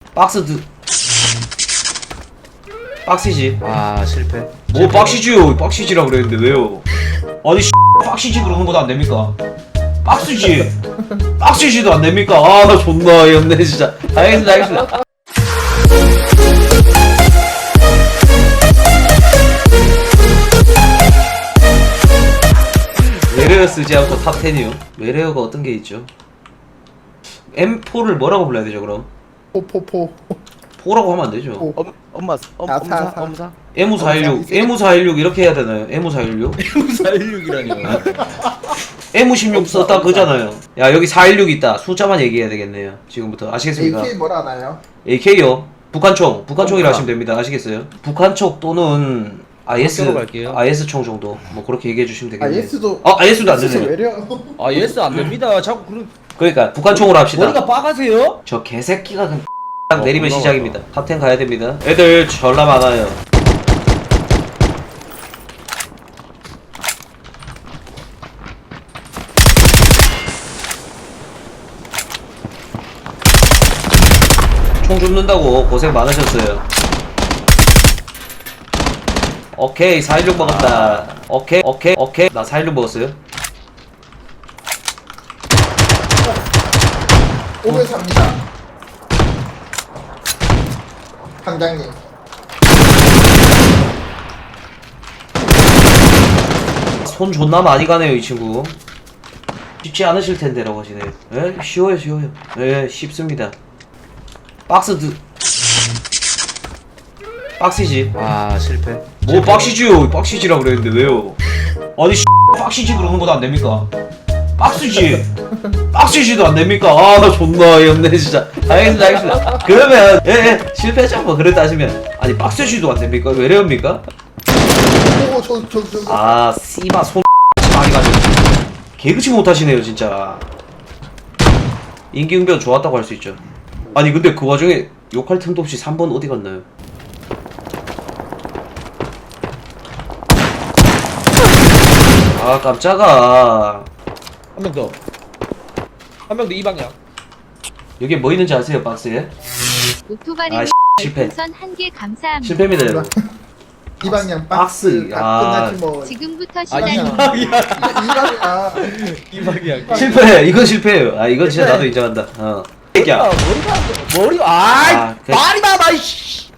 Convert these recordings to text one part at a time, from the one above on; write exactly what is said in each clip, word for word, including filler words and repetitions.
박스 드 박시지. 아 실패. 뭐 박시지요? 박시지라 그랬는데 왜요? 아니 박시지 그러는 것도 안 됩니까? 박스지. 박시지도 안 됩니까? 아 나 존나 어이없네 진짜. 알겠습니다 알겠습니다. 외래어 쓰지 않고 탑텐이요? 외래어가 어떤 게 있죠? 엠포를 뭐라고 불러야 되죠 그럼? 포포포 포라고 하면 안 되죠. 포. 엄 엄마 엄 아, 엄사 사, 사. 엄사. 에무 사일육, 에무 사일육 이렇게 해야 되나요? 에무 사일육? 사일육이라니요. 에무 십육 썼다 그잖아요. 야 여기 사일육 있다. 숫자만 얘기해야 되겠네요. 지금부터 아시겠습니까? 에이케이 뭐라 하나요? 에이케이요. 북한총, 북한총이라 하시면 됩니다. 아시겠어요? 북한총 또는 아이에스, 학교로 갈게요. 아이에스 총 정도 뭐 그렇게 얘기해 주시면 되겠네요. 아이에스도 아 아이에스도 안 진짜 되네요. 외려 아 예스 안 됩니다. 자꾸 그런 그러니까 북한총으로 합시다. 머리가 빠가세요? 저 개새끼가 그냥 딱 어, 내리면 올라왔다. 시작입니다. 탑텐 가야 됩니다. 애들 전라 많아요. 총 줍는다고 고생 많으셨어요. 오케이 사일육 먹었다. 오케이 오케이 오케이 나 사일육 먹었어요. 오면 삽니다. 당장님 손 존나 많이 가네요 이 친구. 쉽지 않으실 텐데라고 하시네요. 에? 쉬워요 쉬워요. 예 쉽습니다. 박스 드 박시지. 아 실패. 뭐 박시지요? 박시지라 그랬는데 왜요? 아니 박시지 그러는 것도 안 됩니까? 박스지. 박시지도 안 됩니까? 아 나 존나 어이없네 진짜. 알겠습니다 알겠습니다. 그러면 예예 실패죠 뭐 그랬다 하시면 아니 박스지도 안 됩니까? 왜래옵니까? 오저저저 아 씨바 손 많이 가지고 개그치 못하시네요 진짜. 임기응변 좋았다고 할 수 있죠. 아니 근데 그 와중에 욕할 틈도 없이 삼 번 어디 갔나요? 아 깜짝아. 한 명 더. 한 명 더 이 방향. 여기에 뭐 있는지 아세요 박스에? 오토바리 아 실패. 우선 한 개 감사합니다. 실패입니다 여러분. 이 방향 박스. 박스 아. 다 끝나지 뭐 지금부터 아 시작이 이 방향. 방향. 이 방향 이 방향. 실패. 이건 실패예요. 아 이건 진짜 나도 인정한다. 어. 새끼야. 머리가 머리 아이 아, 그- 말이 많아 이씨.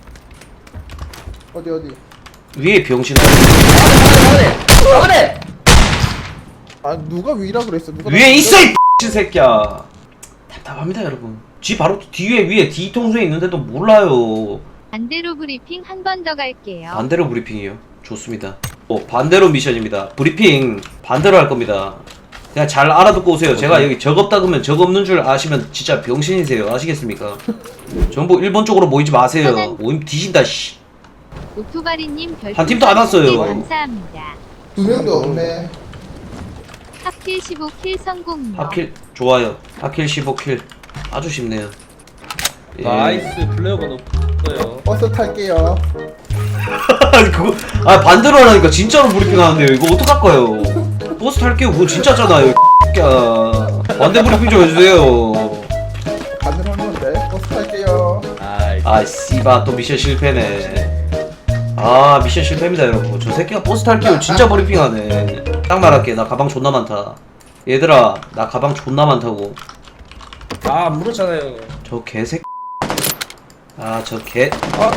어디 어디 위에 병신아. 잘해 잘해. 아 누가 위라 그랬어 누가 위에 있어 이 X 새끼야. 답답합니다 여러분. 지 바로 뒤에 위에 뒤통수에 있는데도 몰라요. 반대로 브리핑 한 번 더 갈게요. 반대로 브리핑이요. 좋습니다. 어, 반대로 미션입니다. 브리핑 반대로 할 겁니다. 그냥 잘 알아듣고 오세요. 제가 여기 적 없다 그러면 적 없는 줄 아시면 진짜 병신이세요. 아시겠습니까? 전부 일본 쪽으로 모이지 마세요. 모임 뒤진다 씨. 오토바리님 별풍선 한 팀도 안 왔어요. 한 개 감사합니다. 두 명도 없네 하필 십오 킬 성공이요. 하킬 좋아요. 하킬 십오 킬 아주 쉽네요. 예. 나이스 플레이어가 높아요. 버스 탈게요 아니 그거 아 반대로 하라니까 진짜로 브리핑 하는데요. 이거 어떡할까요? 버스 탈게요. 그거 진짜잖아요. 야 반대 브리핑 좀 해주세요. 반대로 하는 건데 버스 탈게요 아이. 아 씨바 또 미션 실패네. 아 미션 실패입니다 여러분. 저 새끼가 버스 탈게요. 진짜 브리핑하네. 딱 말할게. 나 가방 존나 많다. 얘들아 나 가방 존나 많다고. 아안 물었잖아요. 저 개새끼. 아 저 개.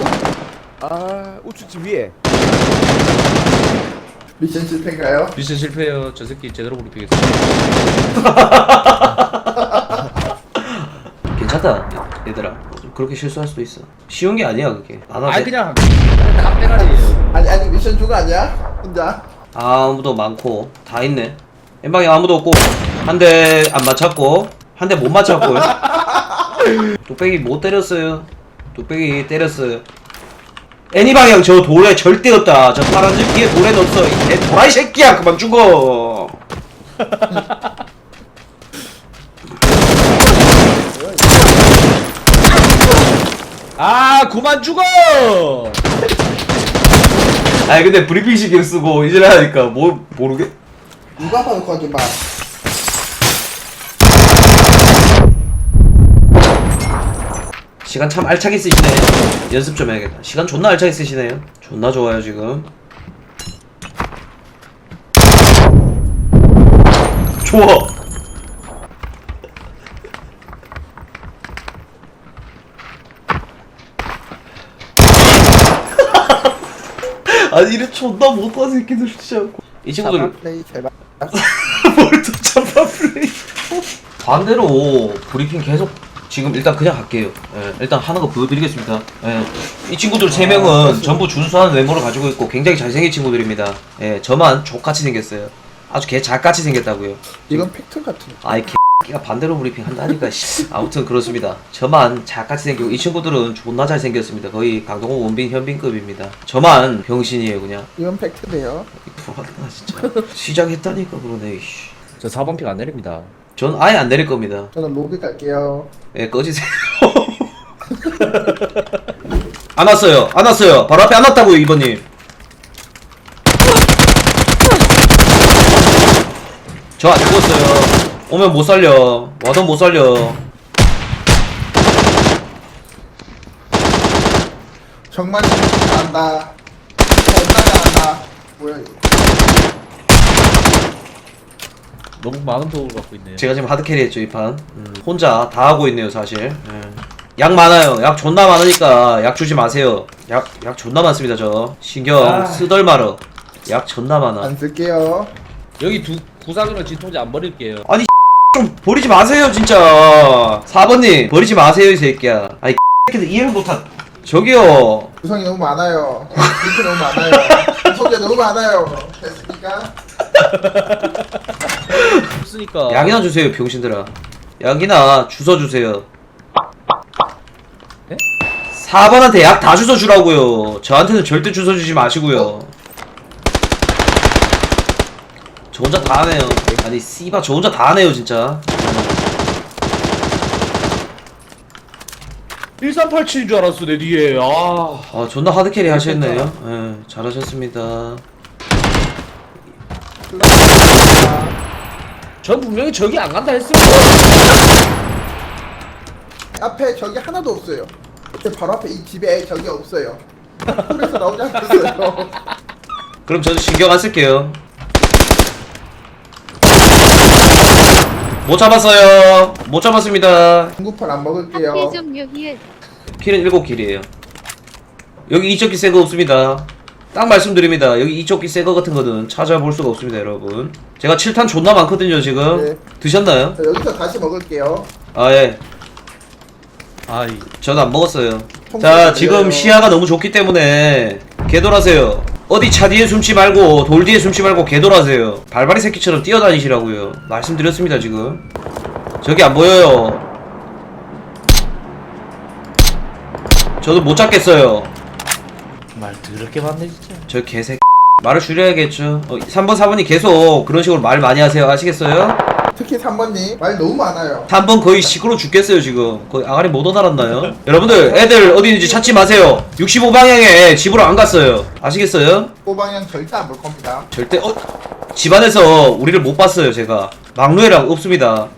아 우측집 위에 미션 실패인가요? 미션 실패요. 저 새끼 제대로 브리핑했어. 괜찮다 얘들아. 그렇게 실수할 수도 있어. 쉬운 게 아니야 그게. 나도 아이 그냥 깜대가리예요. 아니 아니 미션 주가 아니야? 혼자 아무도 많고 다 있네. 엠방에 아무도 없고 한 대 안 맞췄고 한 대 못 맞췄고요. 뚝배기 못 때렸어요. 뚝배기 때렸어요. 애니 방향 저 돌에 절대 없다. 저 파란색 뒤에 돌에 넣었어. 이 도라이 새끼야 그만 죽어. 아 그만 죽어. 아니 근데 브리핑 신경 쓰고 이제 하니까 뭐 모르게. 누가 봐도 거짓말 시간 참 알차게 쓰시네. 연습 좀 해야겠다. 시간 존나 알차게 쓰시네요. 존나 좋아요 지금. 좋아. 아니 이래 존나 못한 새끼들 진짜. 이 친구들 플레이 제발. 뭘또 잡아 플레이. 반대로 브리핑 계속 지금 일단 그냥 할게요. 예, 일단 하는 거 보여드리겠습니다. 예, 이 친구들 세 명은 전부 준수한 외모를 가지고 있고 굉장히 잘생긴 친구들입니다. 예, 저만 족같이 생겼어요. 아주 개 작같이 생겼다고요. 이건 팩트 같은. 아이 개가 반대로 브리핑 한다니까. 씨. 아무튼 그렇습니다. 저만 작같이 생기고 이 친구들은 존나 잘생겼습니다. 거의 강동원, 원빈, 현빈급입니다. 저만 병신이에요 그냥. 이건 팩트네요. 뭐하나 진짜. 시작했다니까 그러네. 이씨. 저 사 번 픽 안 내립니다. 전 아예 안 내릴 겁니다. 저는 로비 갈게요. 예, 꺼지세요. 안 왔어요. 안 왔어요. 바로 앞에 안 왔다고요, 이번님. 저 안 죽었어요. 오면 못 살려. 와도 못 살려. 정말 잘한다. 정말 잘한다. 뭐야 이거. 너무 많은 도움을 받고 있네요. 제가 지금 하드캐리 했죠, 이 판. 음, 혼자 다 하고 있네요, 사실. 예. 약 많아요. 약 존나 많으니까 약 주지 마세요. 약, 약 존나 많습니다, 저. 신경 아. 쓰덜마러. 약 존나 많아. 안 쓸게요. 여기 두 구상이랑 진통제 안 버릴게요. 아니 좀 버리지 마세요 진짜. 사 번님 버리지 마세요 이 새끼야. 아니 새끼들 이해를 못한. 저기요. 구성이 너무 많아요. 링크 너무 많아요. 소재 너무 많아요. 됐습니까? 없으니까. 약이나 주세요 병신들아. 약이나 주워 주세요. 네? 사 번한테 약 다 주워 주라고요. 저한테는 절대 주워 주지 마시고요. 저 혼자 다 하네요. 아니 씨바 저 혼자 다 하네요 진짜. 일삼팔칠인 줄 알았어 내 뒤에. 아. 아 존나 하드캐리 하셨네요. 예, 잘하셨습니다. 전 분명히 저기 안 간다 했습니다. 앞에 적이 하나도 없어요. 제 바로 앞에 이 집에 적이 없어요. 그래서 나오지 않았어요. 그럼 저도 신경 안 쓸게요. 못 잡았어요. 못 잡았습니다. 중구판 안 먹을게요. 학회 종료 히읗. 킬은 일곱 킬이에요. 여기 이쪽기 새거 없습니다. 딱 말씀드립니다. 여기 이쪽기 새거 같은 거는 찾아볼 수가 없습니다, 여러분. 제가 칠 탄 존나 많거든요, 지금. 네. 드셨나요? 자, 여기서 다시 먹을게요. 아, 예. 아이. 저는 안 먹었어요. 통째로 자, 지금 드려요. 시야가 너무 좋기 때문에 개돌하세요. 어디 차 뒤에 숨지 말고 돌 뒤에 숨지 말고 개돌하세요. 발발이 새끼처럼 뛰어다니시라고요. 말씀드렸습니다 지금. 저기 안 보여요. 저도 못 잡겠어요. 말 더럽게 많네 진짜. 저 개새끼. 말을 줄여야겠죠. 어, 삼 번 사 번이 계속 그런 식으로 말 많이 하세요. 아시겠어요? 특히 삼 번님 말 너무 많아요. 삼 번 거의 시끄러 죽겠어요 지금. 거의 아가리 못 오달았나요? 여러분들 애들 어디 있는지 찾지 마세요. 육십오 방향에 집으로 안 갔어요. 아시겠어요? 꼬방향 절대 안 볼 겁니다. 절대 어? 집안에서 우리를 못 봤어요 제가. 막루에랑 없습니다.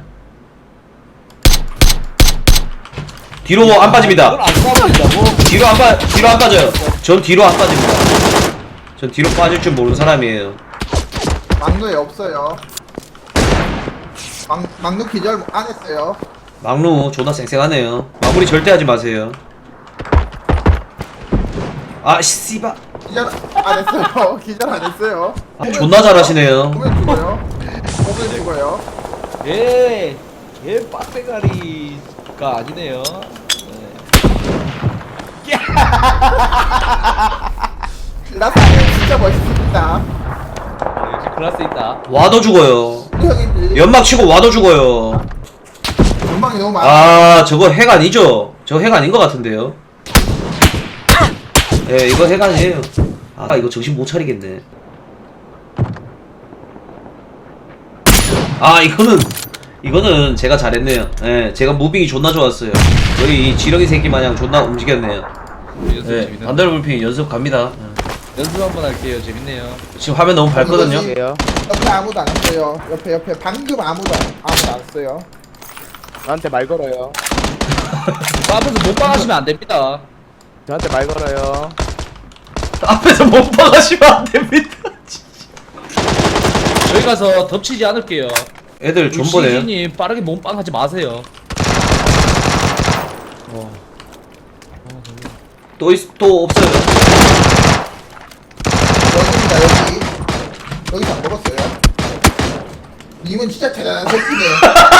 뒤로 안 빠집니다. 그걸 안 싸버린다고? 뒤로 안 빠, 뒤로 안 빠져요. 전 뒤로 안 빠집니다. 전 뒤로 빠질 줄 모르는 사람이에요. 막루에 없어요. 막, 막루 기절 안 했어요. 막루 존나 쌩쌩하네요. 마무리 절대 하지 마세요. 아 씨바. 기절 안 했어요. 기절 안 했어요. 아, 존나 잘하시네요. 보면 죽어요. 보면 죽어요. 예. 얘 빡대가리가 아니네요. 네. 라사는 진짜 멋있습니다. 역시 클라스 있다. 와도 죽어요. 형이지. 연막 치고 와도 죽어요. 전망이 너무 많아. 아 저거 핵 아니죠? 저거 핵 아닌 것 같은데요. 예 이거 핵 아니에요. 아 이거 정신 못 차리겠네. 아 이거는 이거는 제가 잘했네요. 예 제가 무빙이 존나 좋았어요. 거의 이 지렁이 새끼 마냥 존나 움직였네요. 연습 예 재밌네. 반대로 불핑 연습 갑니다. 연습 한번 할게요. 재밌네요. 지금 화면 너무 밝거든요. 할게요. 옆에 아무도 안 왔어요. 옆에 옆에 방금 아무도 안- 아무도 안 왔어요. 나한테 말 걸어요. 저 앞에서 못방하시면 안 됩니다. 저한테 말 걸어요. 앞에서 못 박아시면 안 됩니다. 저희 가서 덮치지 않을게요. 애들 존버네요. 시진님 빠르게 몸빵하지 마세요. 또, 있, 또 없어요. 여기입니다 여기. 여기서 안 먹었어요. 님은 진짜 대단한 새끼네요.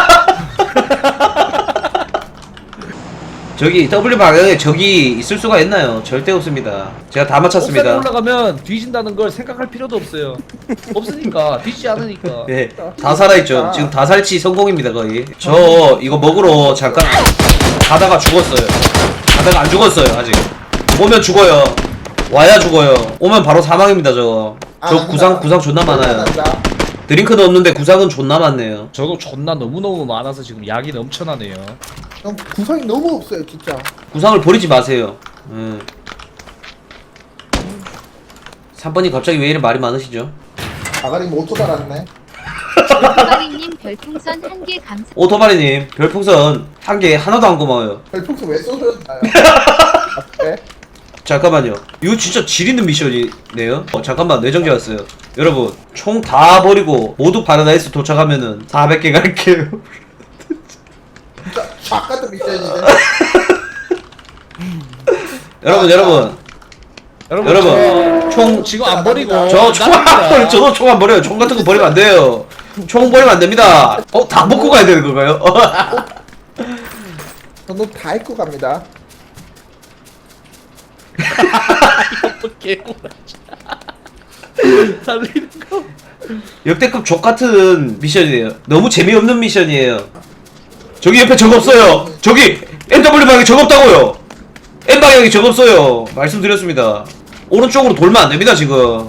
저기 W 방향에 적이 있을 수가 있나요? 절대 없습니다. 제가 다 옥상에 맞췄습니다. 올라가면 뒤진다는 걸 생각할 필요도 없어요. 없으니까 뒤지지 않으니까. 네, 다 살아있죠. 지금 다 살치 성공입니다 거의. 저 이거 먹으러 잠깐 가다가 죽었어요. 가다가 안 죽었어요 아직. 오면 죽어요. 와야 죽어요. 오면 바로 사망입니다 저거. 저 구상 구상 존나 많아요. 드링크도 없는데 구상은 존나 많네요. 저거 존나 너무너무 많아서 지금 약이 넘쳐나네요. 형 구성이 너무 없어요 진짜. 구상을 버리지 마세요. 음. 삼 번이 갑자기 왜 이래 말이 많으시죠? 아가리 오토 달았네. 오토바리님 별풍선 한 개 감사. 오토바리님 별풍선 한 개 하나도 안 고마워요. 별풍선 왜 쏘셨나요? 아, 그래? 잠깐만요. 이거 진짜 질 있는 미션이네요. 어, 잠깐만 뇌정지 왔어요. 여러분 총 다 버리고 모두 파라다이스 도착하면은 사백 개 갈게요. 진짜 쫙 같은 미션인데. 여러분 여러분 여러분, 여러분 저- 총 지금 안 버리고 저 총 안 나갑니다. 버려. 저도 총 안 버려요. 총 같은 거 버리면 안 돼요. 총 버리면 안 됩니다. 어, 다 먹고 가야 되는 건가요? 저도 다 입고 갑니다. 개구라. 살리는 거. 역대급 족 같은 미션이에요. 너무 재미없는 미션이에요. 저기 옆에 적 없어요. 저기 엠더블유 방향에 적 없다고요. M 방향에 적 없어요. 말씀드렸습니다. 오른쪽으로 돌면 안 됩니다 지금.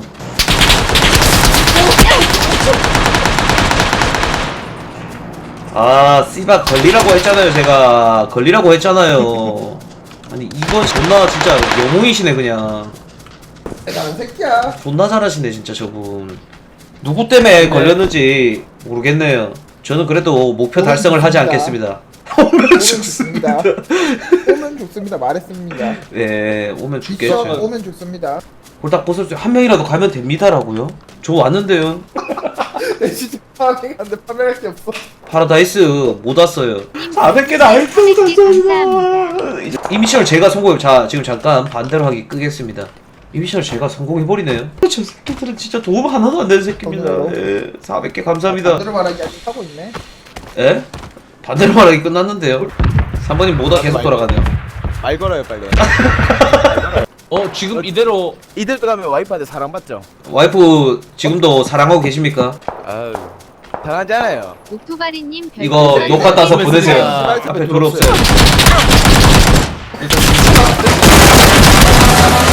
아 씨발 걸리라고 했잖아요 제가. 걸리라고 했잖아요. 아니 이건 존나 진짜 영웅이시네 그냥. 대단한 새끼야. 존나 잘하시네 진짜 저분. 누구 때문에 걸렸는지 모르겠네요. 저는 그래도 목표 오면 달성을 하지 죽습니다. 않겠습니다. 오면 오면 죽습니다. 죽습니다. 오면 죽습니다. 말했습니다. 네, 오면 뒷선 죽겠죠. 오면 죽습니다. 홀딱 벗을 한 명이라도 가면 됩니다라고요? 저 왔는데요. 내 진짜 파밍 안돼 파밍할 게 없어. 파라다이스 못 왔어요. 사백 개 나이스 감사합니다. 이 미션을 제가 성공. 자 지금 잠깐 반대로 하기 끄겠습니다. 이 미션을 제가 성공해버리네요. 저 새끼들은 진짜 도움 하나도 안 되는 새끼입니다. 예, 사백 개 감사합니다. 반대로 말하기 아직 하고 있네. 예? 반대로 말하기 끝났는데요. 삼 번님 모다 계속 돌아가네요. 말 걸어요 빨리. 어 지금 이대로 이들 들어가면 와이프한테 사랑받죠? 와이프 지금도 사랑하고 계십니까? 아유 당하지 않아요. 오토바리님 별풍선 이거 한 녹화 따서 개 보내세요. 감사합니다. 앞에 돌 없어요.